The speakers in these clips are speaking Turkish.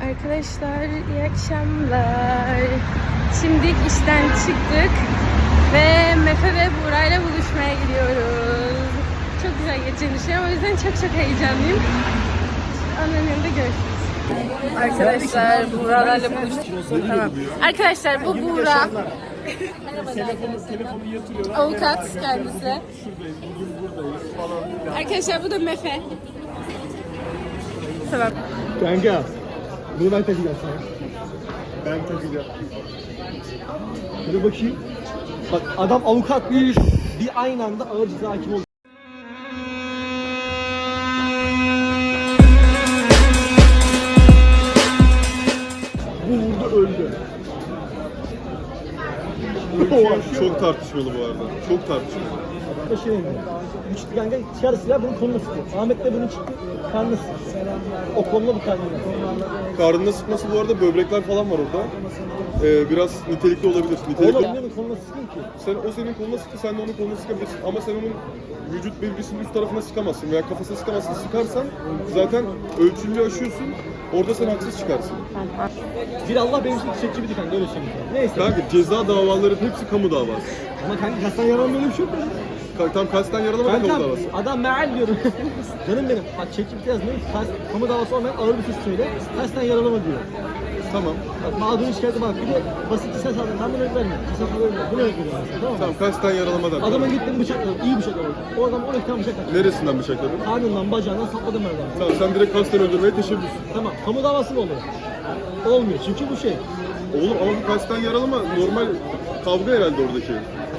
Arkadaşlar iyi akşamlar. Şimdi işten çıktık ve Mefe ve Buğra'yla buluşmaya gidiyoruz. Çok güzel geçeceğini düşünüyorum. O yüzden çok heyecanlıyım. Onların yanında görüşürüz. Arkadaşlar Buğra'larla buluştuk. Tamam. Arkadaşlar bu Buğra. Avukat kendisi. Arkadaşlar bu da Mefe. Tamam. Kanka, bunu ben takacağım sana. Ben takacağım. Hadi bakayım. Bak adam avukat bir aynı anda ağır ceza hakim oldu. Bu vurdu öldü. Çok tartışmalı bu arada. Çok tartışmalı. Şey oldu. Bu çıktı kanka dışarı silah bunun koluna sıktı. Ahmet de bunun çıktı karnına sıktı. O koluna bu karnına. Karnına sıkması bu arada böbrekler falan var orada. Biraz nitelikli olabilir. Oğlum niye bunun koluna sıktın ki? O senin koluna sıktı, sen de onun koluna sıkabilirsin. Ama sen onun vücut bölgesinin üst tarafına sıkamazsın veya kafasına sıkamazsın. Sıkarsan zaten ölçülü aşıyorsun. Orada sen haksız çıkarsın. Bir Allah benim için çiçekçi bir kanka öyle söyleyeyim. Neyse. Kanka ceza davaların hepsi kamu davası. Ama kanka kasten yaran böyle bir şey yok mu? Tam kasten yaralama da kamu Kankam davası. adam meal diyorum. Canım benim. Bak çekip yaz ne? Kamu davası olmayan ağır bir suç söyle. Kasten yaralama diyor. Tamam. Bak mağdurun şikayeti bak. Bir de basit bir ses aldın. Tam bunu verme. Ses aldın. Bunu öldürüyor. Tamam mı? Tamam kasten yaralamadan. Adamın gittin bıçakladı. İyi bıçakladı. O adam 12 tane bıçakladı. Neresinden bıçakladın? Karnından bacağından sapladım ben adamı. Tamam sen direkt kasten öldürmeye teşebbüs. Tamam. Kamu davası mı olur? Olmuyor. Çünkü bu şey. Oğlum ama bu kasten yaralama normal kavga herhalde oradaki.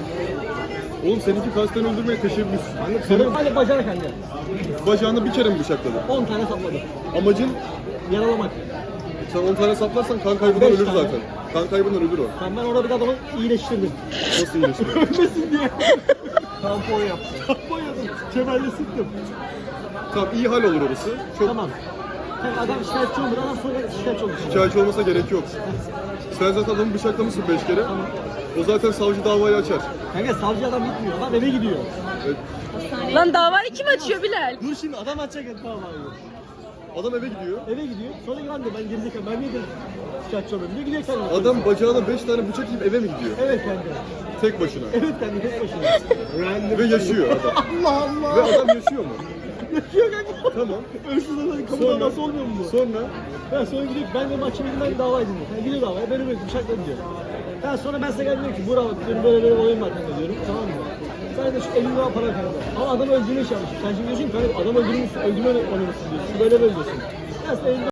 Oğlum seninki kasten öldürmeye teşebbüs. Senin hani bacağına kanka. Bacağını bir kere mi bıçakladın? 10 tane sapladım. Amacın Yaralamak. sen 10 tane saplarsan kan kaybından Beş ölür tane. zaten. Kan kaybından ölür o. Ben orada bir de adamı iyileştirdim. Nasıl iyileşir? Ölmesin diye. Tampon yaptım. Tampon yaptım. Kemerle sıktım. Tamam iyi hal olur orası. Çok Tamam. Yani adam şikayetçi olur, adam sonra şikayetçi olur. şikayetçi olmasa gerek yok. Sen zaten adamı bıçaklamışsın 5 kere. O zaten savcı davayı açar. Kanka savcı adam gitmiyor, adam eve gidiyor. Lan davayı kim açıyor Bilal? Dur şimdi adam açacak davayı. Adam eve gidiyor. Eve gidiyor, sonra lan diyor ben gerizekalı, ben niye dedim şikayetçi olmuyorum diyor, gidiyor kendine. Adam bacağına 5 tane bıçak yiyip eve mi gidiyor? Evet kanka. Tek başına. Evet kanka tek başına. Ve yaşıyor adam. Allah Allah. Ve adam yaşıyor mu? Yaşıyor kanka. Tamam. Ölçüsüz adam kamu Sonra- davası olmuyor mu bu? Sonra Ben sonra gidiyor, ben de mahkemeye gidip ben dava edeyim. Yani gidiyor davaya, ben öyle bıçakladım diyor. Ben sonra ben size geldim diyorum ki bravo diyorum böyle olayım var kanka diyorum, tamam mı? Sen de şu 50 lira para kanka. Ama adam öldürmeye çalışmış. Sen şimdi diyorsun ki kanka adam öldürmüşsün, öldürme oynamışsın diyorsun. Böyle diyorsun. Ben size 50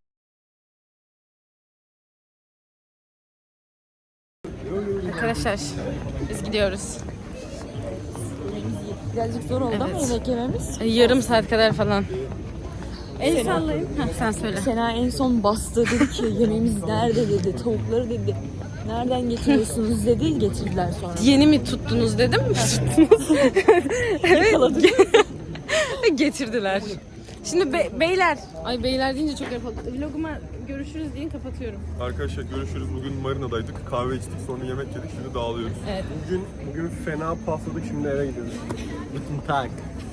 Arkadaşlar biz gidiyoruz. Birazcık zor oldu ama yemek yememiz. Yarım saat kadar falan. El sallayayım. Sen söyle. Sena en son bastı, dedi ki yemeğimiz nerede dedi, tavukları dedi. Nereden getiriyorsunuz dedi, getirdiler sonra. Yeni mi tuttunuz dedim mi tuttunuz? Evet. Getirdiler. Şimdi beyler. Ay beyler deyince çok yapalım. Vloguma görüşürüz deyin kapatıyorum. arkadaşlar görüşürüz. Bugün marinadaydık. Kahve içtik, sonra yemek yedik. Şimdi dağılıyoruz. Bugün fena pafladık, şimdi eve gidiyoruz. Guten Tag.